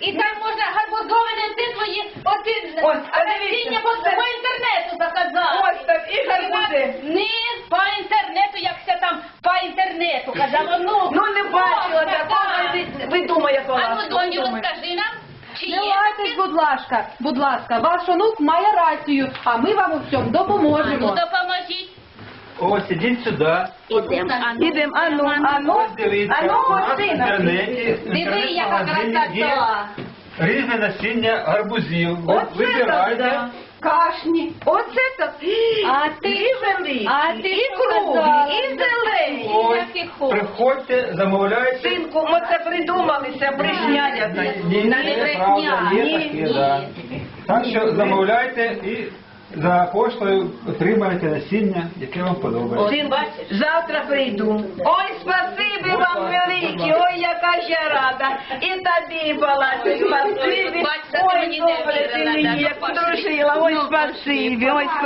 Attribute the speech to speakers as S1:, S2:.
S1: І там можна гарбузовини твої, насіння по інтернету заказати.
S2: Ось так, і гарбузи.
S1: Не по інтернету, як все там по інтернету казала.
S2: Ну не бачила такого, ви думає,
S1: А ну, доню, розкажи нам, чи
S3: Не
S1: є
S3: лайтесь, будь ласка, ваш онук має рацію, а ми вам у всьому
S1: Ну,
S3: допоможемо.
S1: допоможіть.
S4: Ось, ідіть сюди.
S2: Ідемо, ану,
S4: Ось дивіться,
S2: ану,
S4: у нас в
S2: ось
S4: інтернеті,
S1: Диви, яка
S4: є
S1: красота.
S4: різне насіння гарбузів.
S2: Оце
S4: Вибирайте.
S2: так, кашні. Оце так. І великі, і круглі, і зелені.
S4: Ось, приходьте, замовляйте.
S2: Синку, ми це придумали, це брехня якась.
S4: Ні, це правда, є таке, да. Так що замовляйте і за поштою отримаєте насіння, яке вам подобається.
S2: Син, завтра прийду. Ой, спасибі вам великі, ой, яка я рада. І тобі, Палаці, спасибі.
S1: Бачите, ти
S2: Ой,
S1: мені не
S2: добре ти
S1: вірила,
S2: мені,
S1: да,
S2: як подружила, ой, спасибі, ой,